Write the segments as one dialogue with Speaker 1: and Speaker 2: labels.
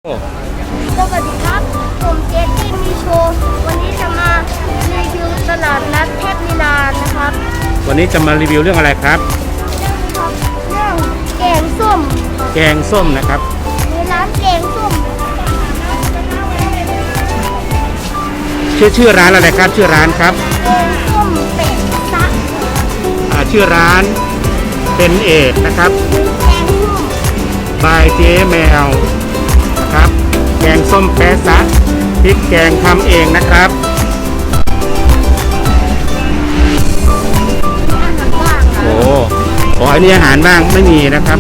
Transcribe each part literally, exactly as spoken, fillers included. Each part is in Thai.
Speaker 1: สวัสดีครับผมเจสซี่มีโชว์วันนี้จะมารีวิวตลาดนัดเทพลีลานะครับ
Speaker 2: วันนี้จะมารีวิวเรื่องอะไรครับ
Speaker 1: เรื่องครับเรื่องแกงส้ม
Speaker 2: แกงส้มนะครับ
Speaker 1: ในร้านแกงส้ม
Speaker 2: ชื่อชื่อร้านอะไรครับชื่อร้านครับ
Speaker 1: แกงส้มเป็ดซัก
Speaker 2: อ่าชื่อร้านเป็นเอกนะครับ
Speaker 1: แกงส้ม
Speaker 2: บายเจ๊แมวนะครับแกงส้มแปะซะพริกแกงทำเองนะครับโอ้โหอันนี้อาหารบ้างไม่มีนะครับ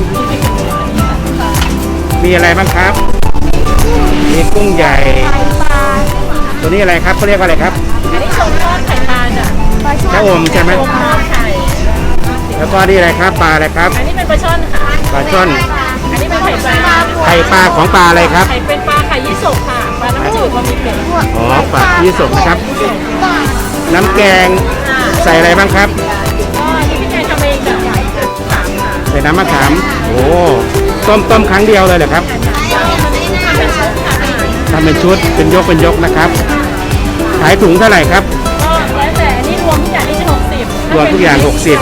Speaker 2: มีอะไรบ้างครับมีกุ้งใหญ่ตัวนี้อะไรครับเขาเรียกว่าอะไรครับ
Speaker 3: อันนี้ชมทอดไข่ปลาจ้ะ
Speaker 2: ชะอมใช่ไหม
Speaker 3: ชมทอดไข่
Speaker 2: แล้วก็นี่อะไรครับปลาอะไรครับ
Speaker 3: อันนี้เป็นปลาช่อนค่ะ
Speaker 2: ปลาช่อน
Speaker 3: อันนี้เป็นไข่ปลา
Speaker 2: ไข่ปลาของปลาอะไรครับ
Speaker 3: ไข่เป็นปลาไข่ยี่สกค่ะปลาน้ำจืดบะหมี่เผ็ด
Speaker 2: อ๋อปลายี่สกนะครับน้ำแกงใส่อะไรบ้างครับ
Speaker 3: อ๋ออันนี้พี่แกทำเองจ้ะ
Speaker 2: ใส่น้ำมะขามโอ้ต้มต้มครั้งเดียวเลยเหรอครับทำเป็นชุดเป็นยกเป็นยกนะครับขายถุงเท่าไหร่ครับ
Speaker 3: ก็แล้วแต่อันนี้รวมทุกอย่างนี่จะหกสิบ
Speaker 2: รวมทุกอย่างหกสิบ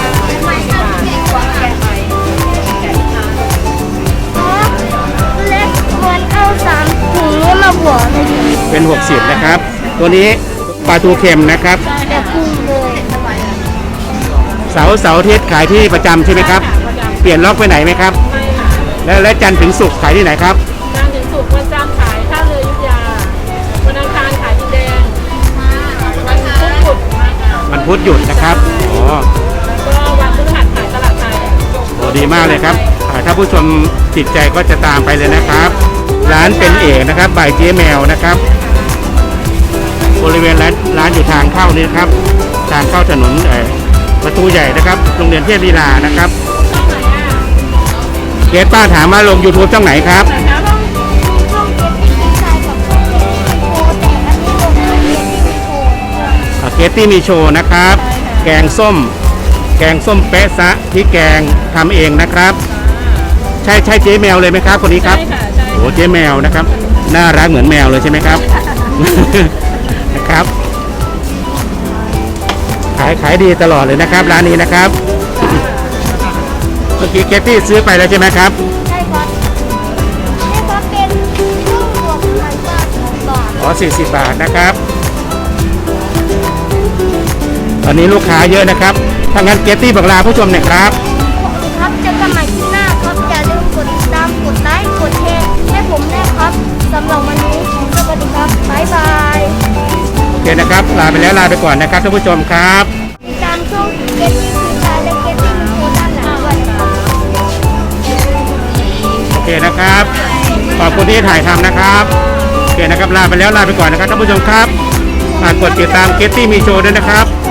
Speaker 1: เล็กเหมือนเอาสามถุงนี้มาบวก
Speaker 2: เป็นหกสิบนะครับตัวนี้ปลาทูเค็มนะครับ
Speaker 1: แต่คุ้มเลย
Speaker 2: เสาเสาอาทิตย์ขายที่ประจำใช่ไหมครับเปลี่ยนล็อกไปไหนไหมครับแล้วและจันทร์ถึงศุกร์ขายที่ไหนครับ
Speaker 3: จันทร์ถึงศุกร์วันจันทร์ขายท่าเรืออยุธยาวันอังคารขายดินแดงวันพุธหยุด
Speaker 2: วันพุธหยุดนะครับอ๋อ
Speaker 3: ก็วันพฤหัสขายตลาดไทย
Speaker 2: โอ้ดีมากเลยครับถ้าผู้ชมติดใจก็จะตามไปเลยนะครับร้านเป็นเอกนะครับบ่ายเจ๊แมวนะครับบริเวณร้านร้านอยู่ทางเข้านี่นะครับทางเข้าถนนเอ่อประตูใหญ่นะครับโรงเรียนเทพลีลานะครับเกตป้าถามมาลง YouTube ช่องไหนครับเกตตี้มีโชว์นะครับแกงส้มแกงส้มเป๊ะซะที่แกงทำเองนะครับใช่ใช่เจ๊แมวเลยไหมครับคนนี้ครับโอ้เจ๊แมวนะครับน่ารักเหมือนแมวเลยใช่ไหมครับนะครับขายขายดีตลอดเลยนะครับร้านนี้นะครับเมื่อกี้เกตตี้ซื้อไปแล้วใช่ไหมครับ
Speaker 1: ใช่ครับนี่ก็เป็นกุ้งบวกไข่ปลาสองบาท
Speaker 2: อ๋อสี่สิบบาทนะครับตอนนี้ลูกค้าเยอะนะครับถ้างั้นเกตตี้บอกลาผู้ชมหน่อยครับ
Speaker 1: ครับเจอกันใหม่คลิปหน้าครับอย่าลืมกดติดตามกดไลค์กดแชร์ให้ผมด้วยครับสำหรับวันนี้สวัสดีครับบ๊ายบาย
Speaker 2: โอเคนะครับลาไปแล้วลาไปก่อนนะครับท่านผู้ชมครับ
Speaker 1: ติดตามช่องเกตตี้คือชายและเกตตี้มีโคด้านหลังด้วยนะครับ
Speaker 2: โอเคนะครับขอบคุณที่ถ่ายทำนะครับโอเคนะครับลาไปแล้วลาไปก่อนนะครับท่านผู้ชมครับฝากกดติดตามเกตตี้มีโชว์ด้วยนะครับ